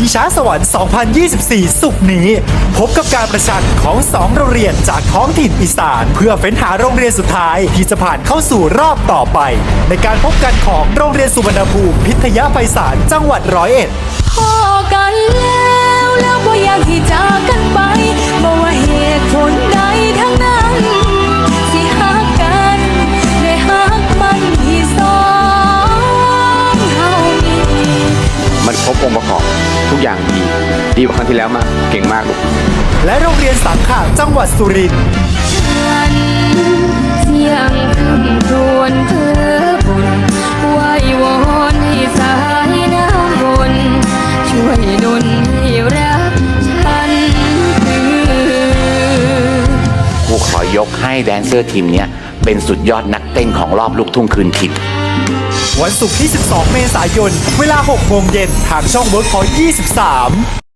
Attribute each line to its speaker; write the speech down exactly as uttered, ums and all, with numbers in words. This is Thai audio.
Speaker 1: ช้าสวรรค์ สองพันยี่สิบสี่ ศุกร์นี้ พบกับการประชันของสองโรงเรียนจากท้องถิ่นอีสานเพื่อเฟ้นหาโรงเรียนสุดท้ายที่จะผ่านเข้าสู่รอบต่อไป ในการพบกันของโรงเรียนสุวรรณภูมิพิทยาไพศาลจังหวัดร้อยเอ็ด
Speaker 2: พอกันแล้วแล้วบ่อยากที่จากกันไปบ่ว่าเหตุผลใดทั้งนั้นสิหักกันได้หักมันที่สองเฮามี
Speaker 3: มันครบองค์ประกอบทุกอย่างดีดีกว่าครั้งที่แล้วมากเก่งมากลูก
Speaker 1: และโรงเรียนสังขะจังหวัดสุรินทร์
Speaker 2: ฉันเสียงคำครวญเพื่อบุญไหว้วอนให้สายน้ำวนช่วยดลให้รักฉันคือ
Speaker 4: ครูขอยกให้แดนเซอร์ทีมเนี้ยเป็นสุดยอดนักเต้นของรอบลูกทุ่งคืนถิ่น
Speaker 1: วันศุกร์ที่ สิบสอง เมษายน เวลา หกโมงเย็นทางช่อง เวิร์คพอยต์ ยี่สิบสาม